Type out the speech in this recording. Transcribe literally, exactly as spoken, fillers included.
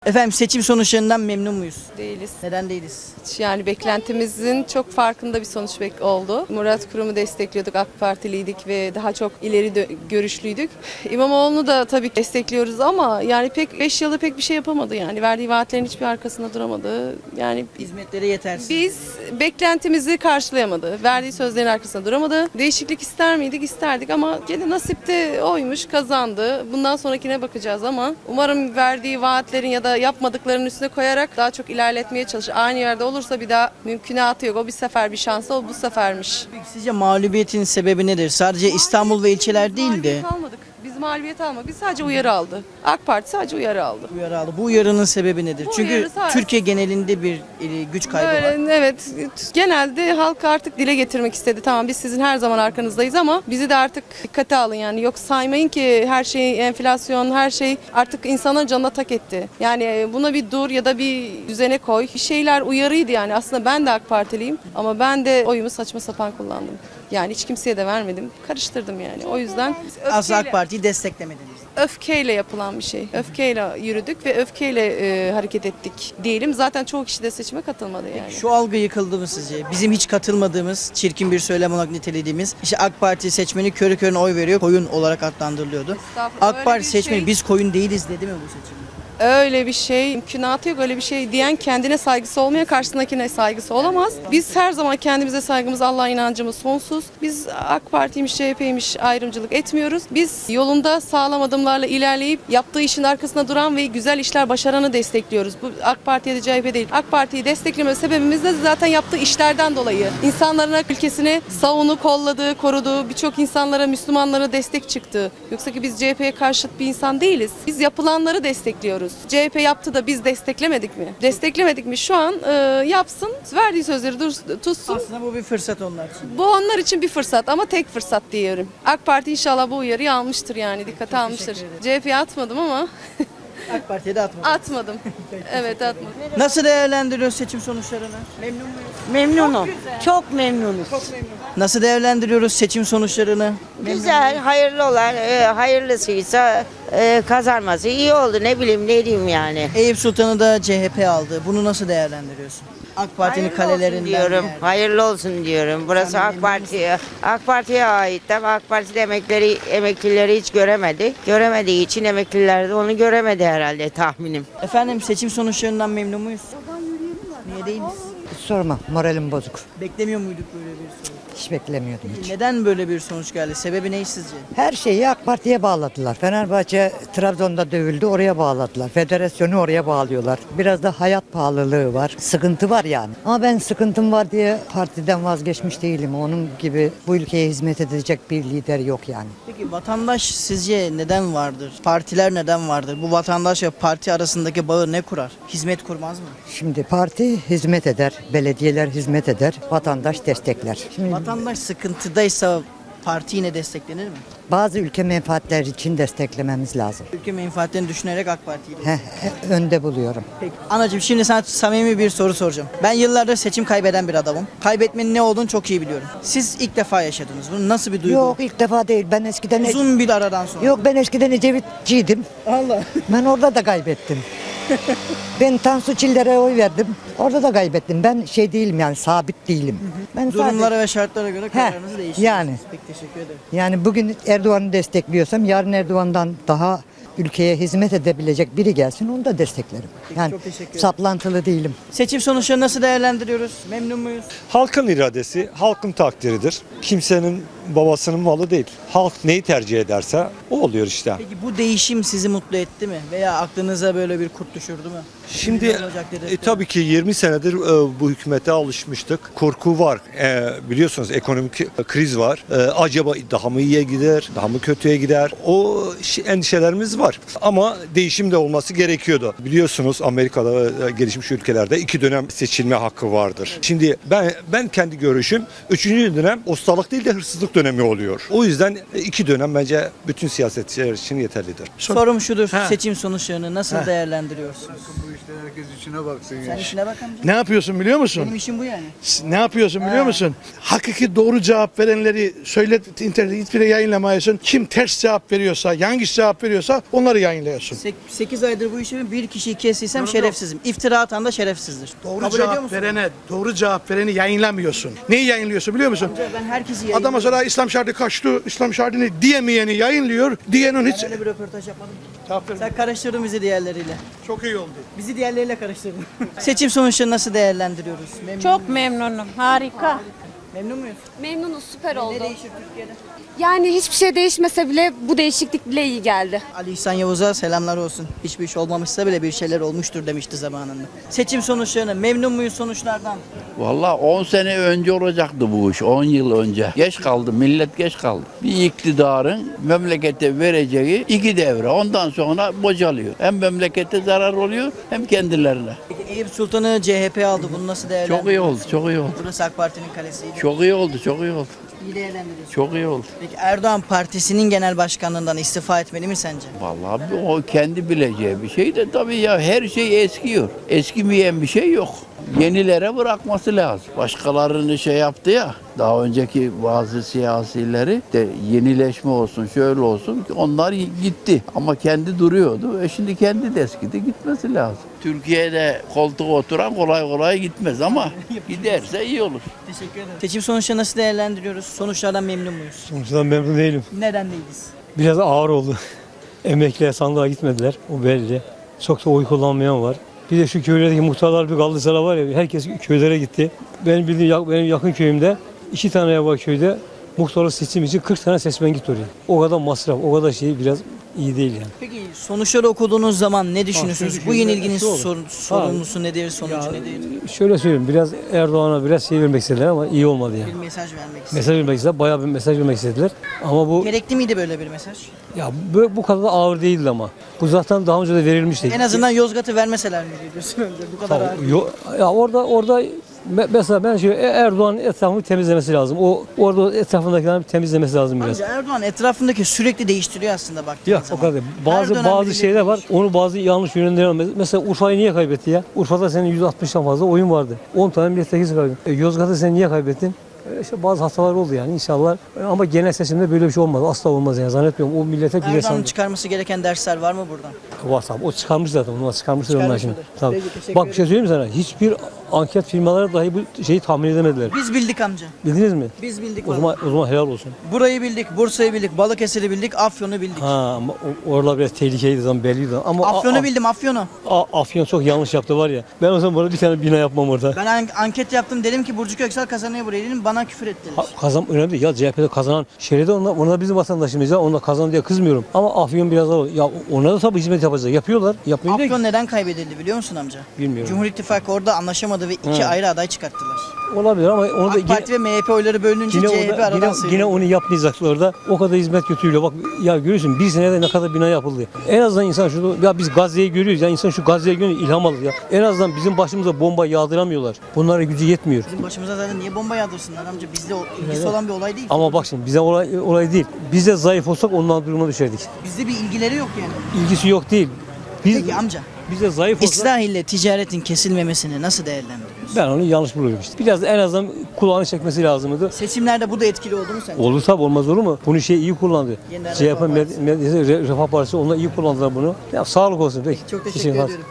Efendim seçim sonuçlarından memnun muyuz? Değiliz. Neden değiliz? Yani beklentimizin çok farkında bir sonuç bek oldu. Murat Kurum'u destekliyorduk, AK Partiliydik ve daha çok ileri dö- görüşlüydük. İmamoğlu'nu da tabii ki destekliyoruz ama yani pek beş yılda pek bir şey yapamadı yani. Verdiği vaatlerin hiçbir arkasında duramadı. Yani Hizmetleri yetersiz. biz beklentimizi karşılayamadı. Verdiği sözlerin arkasında duramadı. Değişiklik ister miydik? İsterdik ama gene nasip de oymuş, kazandı. Bundan sonrakine bakacağız ama umarım verdiği vaatlerin ya da yapmadıklarının üstüne koyarak daha çok ilerletmeye çalışır. Aynı yerde olursa bir daha mümkünatı yok. O bir sefer bir şansı, o bu sefermiş. Peki sizce mağlubiyetin sebebi nedir? Sadece İstanbul ve ilçeler değil de Mağlubiyet almadık. Biz mağlubiyet almadık. Biz sadece uyarı aldı. AK Parti sadece uyarı aldı. uyarı aldı. Bu uyarının sebebi nedir? Bu Çünkü uyarı sadece- Türkiye genelinde bir e, güç kaybı var. Böyle, evet, genelde halk artık dile getirmek istedi. Tamam biz sizin her zaman arkanızdayız ama bizi de artık dikkate alın yani. Yok saymayın ki her şey enflasyon, her şey artık insanların canına tak etti. Yani buna bir dur ya da bir düzene koy. Bir şeyler uyarıydı yani. Aslında ben de AK Partiliyim ama ben de oyumu saçma sapan kullandım. Yani hiç kimseye de vermedim. Karıştırdım yani. O yüzden Aslında AK öfkeyle- Parti'yi desteklemediniz. öfkeyle yapılan bir şey. Öfkeyle yürüdük ve öfkeyle e, hareket ettik diyelim. Zaten çoğu kişi de seçime katılmadı yani. Şu algı yıkıldı mı sizce? Bizim hiç katılmadığımız, çirkin bir söylem olarak nitelediğimiz, işte AK Parti seçmeni körü körüne oy veriyor, koyun olarak adlandırılıyordu. Estağfurullah, AK öyle Parti bir seçmeni şey- biz koyun değiliz dedi mi bu seçimde? Öyle bir şey mümkünatı yok. Öyle bir şey diyen kendine saygısı olmayan karşısındakine saygısı olamaz. Biz her zaman kendimize saygımız, Allah'a inancımız sonsuz. Biz AK Parti'ymiş, C H P'ymiş ayrımcılık etmiyoruz. Biz yolunda sağlam adımlarla ilerleyip yaptığı işin arkasında duran ve güzel işler başaranı destekliyoruz. Bu AK Parti'ye de C H P değil. AK Parti'yi destekleme sebebimiz de zaten yaptığı işlerden dolayı. İnsanların ülkesini savunu, kolladı, korudu. Birçok insanlara, Müslümanlara destek çıktı. Yoksa ki biz C H P'ye karşıt bir insan değiliz. Biz yapılanları destekliyoruz. C H P yaptı da biz desteklemedik mi? Desteklemedik mi? Şu an e, yapsın, verdiği sözleri dur, tutsun. Aslında bu bir fırsat onlar için. Bu onlar için bir fırsat ama tek fırsat diyorum. AK Parti inşallah bu uyarıyı almıştır yani, dikkate almıştır. teşekkür ederim. C H P'ye atmadım ama AK Parti'ye de atmadı. atmadım. Evet atmadım. Nasıl değerlendiriyoruz seçim sonuçlarını? Memnun muyuz? Memnunum. Çok memnunuz. Nasıl değerlendiriyoruz seçim sonuçlarını? Güzel, hayırlı olan, e, hayırlısıysa e, kazanması iyi oldu. Ne bileyim ne diyeyim yani. Eyüp Sultan'ı da C H P aldı. Bunu nasıl değerlendiriyorsun? AK Parti'nin Hayırlı olsun kalelerinden diyorum. bir yer. Hayırlı olsun diyorum. Burası Sen AK memnun Parti'ye. AK Parti'ye ait ama AK Parti'de emeklileri, emeklileri hiç göremedi. Göremediği için emekliler de onu göremedi herhalde tahminim. Efendim seçim sonuçlarından memnun muyuz? Niye değiliz? Sorma, moralim bozuk. Beklemiyor muyduk böyle bir sonuç? Hiç beklemiyordum hiç. Neden böyle bir sonuç geldi? Sebebi ne sizce? Her şeyi AK Parti'ye bağladılar. Fenerbahçe Trabzon'da dövüldü, oraya bağladılar. Federasyonu oraya bağlıyorlar. Biraz da hayat pahalılığı var. Sıkıntı var yani. Ama ben sıkıntım var diye partiden vazgeçmiş değilim. Onun gibi bu ülkeye hizmet edecek bir lider yok yani. Peki vatandaş sizce neden vardır? Partiler neden vardır? Bu vatandaş ve parti arasındaki bağı ne kurar? Hizmet kurmaz mı? Şimdi parti hizmet eder, belediyeler hizmet eder, vatandaş destekler. Şimdi Vatandaş sıkıntıdaysa parti yine desteklenir mi? bazı ülke menfaatleri için desteklememiz lazım. Ülke menfaatlerini düşünerek AK Parti'yi de- Heh, önde buluyorum. Peki. Anacığım şimdi sana samimi bir soru soracağım. Ben yıllardır seçim kaybeden bir adamım. Kaybetmenin ne olduğunu çok iyi biliyorum. Siz ilk defa yaşadınız. Bunun nasıl bir duygu? Yok ilk defa değil. Ben eskiden Uzun bir aradan sonra. Yok ben eskiden Ecevitçiydim. Allah. Ben orada da kaybettim. Ben Tansu Çiller'e oy verdim. Orada da kaybettim. Ben şey değilim yani sabit değilim. Ben Durumlara sadece- ve şartlara göre kararınızı değiştiriyorsunuz. yani. Peki teşekkür ederim. yani bugün Erdoğan'ı destekliyorsam yarın Erdoğan'dan daha ülkeye hizmet edebilecek biri gelsin onu da desteklerim. Yani çok teşekkür ederim. saplantılı değilim. Seçim sonuçlarını nasıl değerlendiriyoruz? Memnun muyuz? Halkın iradesi, halkın takdiridir. Kimsenin babasının malı değil. Halk neyi tercih ederse o oluyor işte. Peki bu değişim sizi mutlu etti mi? Veya aklınıza böyle bir kurt düşürdü mü? Şimdi Ne olacak dedirtti e, mi? tabii ki yirmi senedir e, bu hükümete alışmıştık. Korku var. E, biliyorsunuz ekonomik e, kriz var. E, acaba daha mı iyiye gider, daha mı kötüye gider? O şi- endişelerimiz var. Ama değişim de olması gerekiyordu. Biliyorsunuz Amerika'da ve e, gelişmiş ülkelerde iki dönem seçilme hakkı vardır. Şimdi ben ben kendi görüşüm üçüncü dönem ustalık değil de hırsızlık dönemi dönemi oluyor. O yüzden iki dönem bence bütün siyasetçiler için yeterlidir. Sorum şudur. Ha. Seçim sonuçlarını nasıl değerlendiriyorsunuz? Bu işler herkes içine baksın Sen işine bak amca. Ne yapıyorsun biliyor musun? Benim işim bu yani. Ne yapıyorsun biliyor Ha. musun? Hakiki doğru cevap verenleri söyle, internette hiçbiri yayınlamıyorsun. Kim ters cevap veriyorsa, yanlış cevap veriyorsa onları yayınlıyorsun. sekiz aydır bu işi bir kişiyi kestiysem şerefsizim. İftira atan da şerefsizdir. Doğru Kabul ediyor cevap musun? verene, doğru cevap vereni yayınlamıyorsun. Neyi yayınlıyorsun biliyor musun? Amca ben herkesi yayınlıyorum. Adama sonra İslam şartı kaçtı, İslam şartını diyemeyeni yayınlıyor. Diyenin hiç... Ben öyle bir röportaj yapmadım. Cevap vermiyor. Sen karıştırdın bizi diğerleriyle. Çok iyi oldu. Bizi diğerleriyle karıştırdın. Seçim sonuçlarını nasıl değerlendiriyoruz? Memnun Çok memnunum. Harika. Memnun muyuz? Memnunuz, süper oldu. Ne değişir Türkiye'de? Yani hiçbir şey değişmese bile bu değişiklik bile iyi geldi. Ali İhsan Yavuz'a selamlar olsun. Hiçbir iş olmamışsa bile bir şeyler olmuştur demişti zamanında. Seçim sonuçlarını memnun muyuz sonuçlardan? Vallahi on sene önce olacaktı bu iş, on yıl önce. Geç kaldı, millet geç kaldı. Bir iktidarın memlekete vereceği iki devre. Ondan sonra bocalıyor. Hem memlekete zarar oluyor hem kendilerine. Peki Eyüp Sultan'ı C H P aldı. Bunu nasıl değerlendiriyorsunuz? Çok iyi oldu, çok iyi oldu. Burası AK Parti'nin kalesiydi. Çok iyi oldu, çok iyi oldu. İyi değerlendiriyorsunuz. Çok iyi oldu. Peki Erdoğan Partisi'nin genel başkanlığından istifa etmeli mi sence? Vallahi o kendi bileceği bir şey de tabii ya her şey eskiyor. Eskimeyen bir şey yok. Yenilere bırakması lazım. Başkalarını şey yaptı ya, daha önceki bazı siyasileri de yenileşme olsun, şöyle olsun, onlar gitti. Ama kendi duruyordu. E şimdi kendi de eskidi, gitmesi lazım. Türkiye'de koltuğa oturan kolay kolay gitmez ama giderse iyi olur. Teşekkür ederim. Seçim sonuçlarını nasıl değerlendiriyoruz? Sonuçlardan memnun muyuz? Sonuçtan memnun değilim. Neden değiliz? Biraz ağır oldu. Emekliye sandığa gitmediler. O belli. Çok da oy kullanmayan var. Bir de şu köylerdeki muhtarlar bir kaldı sıra var ya, herkes köylere gitti. Benim bildiğim benim yakın köyümde iki tane ev var köyde. Muhtarlık seçim için kırk tane seçmen gitti oraya. O kadar masraf, o kadar şey biraz iyi değil yani. Peki sonuçları okuduğunuz zaman ne düşünüyorsunuz? şöyle Bu düşünün, yenilginin şu olur. sorun, sorumlusu nedir, sonucu nedir? Şöyle söyleyeyim, biraz Erdoğan'a biraz şey vermek istediler ama iyi olmadı yani. Bir mesaj vermek istedim. Mesaj vermek istediler, bayağı bir mesaj vermek istediler. Ama bu Gerekli miydi böyle bir mesaj? ya bu, bu kadar da ağır değildi ama. Bu zaten daha önce de verilmişti. En azından Yozgat'ı vermeseler mi diyorsun önce? Bu kadar Tamam, ağır. yo- ya orada orada me- mesela ben şey Erdoğan'ın etrafını temizlemesi lazım. O orada etrafındakileri temizlemesi lazım biraz. Amca Erdoğan etrafındaki sürekli değiştiriyor aslında baktığın Yok o zaman. kadar. değil. Her Bazı dönem bazı birileri şeyler var. değişiyor. Onu bazı yanlış yönlendiren. Mesela Urfa'yı niye kaybetti ya? Urfa'da senin yüz altmıştan fazla oyun vardı. on tane milletvekili kaybettin. E, Yozgat'ı sen niye kaybettin? E, İşte bazı hatalar oldu yani inşallah. E, Ama genel seçimde böyle bir şey olmaz. Asla olmaz yani zannetmiyorum. O millete bile Erdoğan'ın sandı. çıkarması gereken dersler var mı buradan? Var tabii. O çıkarmış zaten. Onu çıkarmışlar onlar Çıkarmış şimdi. mıdır? Tabii. Peki, teşekkür Bak bir şey söyleyeyim mi sana? Hiçbir anket firmaları dahi bu şeyi tahmin edemediler. Biz bildik amca. Bildiniz mi? Biz bildik. O vallahi. zaman, o zaman helal olsun. Burayı bildik, Bursa'yı bildik, Balıkesir'i bildik, Afyon'u bildik. Ha ama o- oralar biraz tehlikeliydi zaman belliydi. Ama a- Afyon'u a- bildim, Afyon'u. a- Afyon çok yanlış yaptı var ya. Ben o zaman burada bir tane bina yapmam orada. Ben an- anket yaptım, dedim ki Burcu Köksal kazanıyor burayı dedim, bana küfür ettiler. Ha, kazan önemli değil. Ya C H P'de kazanan şeride onlar, onlar bizim vatandaşımız ya. Onlar kazandı diye kızmıyorum. Ama Afyon biraz daha ya ona da tabii hizmet yapacak. Yapıyorlar. Yapmıyor değil. Afyon neden kaybedildi biliyor musun amca? Bilmiyorum. Cumhur İttifakı orada anlaşamadı ve iki Hı. ayrı aday çıkarttılar. Olabilir ama onu da AK Parti ve M H P oyları bölününce yine, C H P orada, aradan yine, sıyrıldı. yine onu yapmayacaklar orada. O kadar hizmet götürüyor. Bak ya görüyorsun bir senede ne kadar bina yapıldı. En azından insan şunu ya biz Gazze'yi görüyoruz ya insan şu Gazze'ye görüyor ilham alır ya. En azından bizim başımıza bomba yağdıramıyorlar. Bunlara gücü yetmiyor. Bizim başımıza zaten niye bomba yağdırsınlar amca? Bizde o- ilgisi Evet. olan bir olay değil. Ama bak şimdi bize olay, olay değil. Biz de zayıf olsak ondan duruma düşerdik. Bizde bir ilgileri yok yani. İlgisi yok değil. Biz, Peki amca, biz de zayıf olsak İslah ile ticaretin kesilmemesini nasıl değerlendiriyorsun? ben onu yanlış buluyorum işte. Biraz en azından kulağını çekmesi lazımdı. Seçimlerde bu da etkili oldu mu sence? Olur tabi olmaz olur mu? Bunu şey iyi kullandı. Yeniden C H P Refah Med- Partisi. Med- Refah Partisi onlar iyi kullandılar bunu. Ya sağlık olsun. Peki. Çok teşekkür Teşekkür ederim. ediyorum.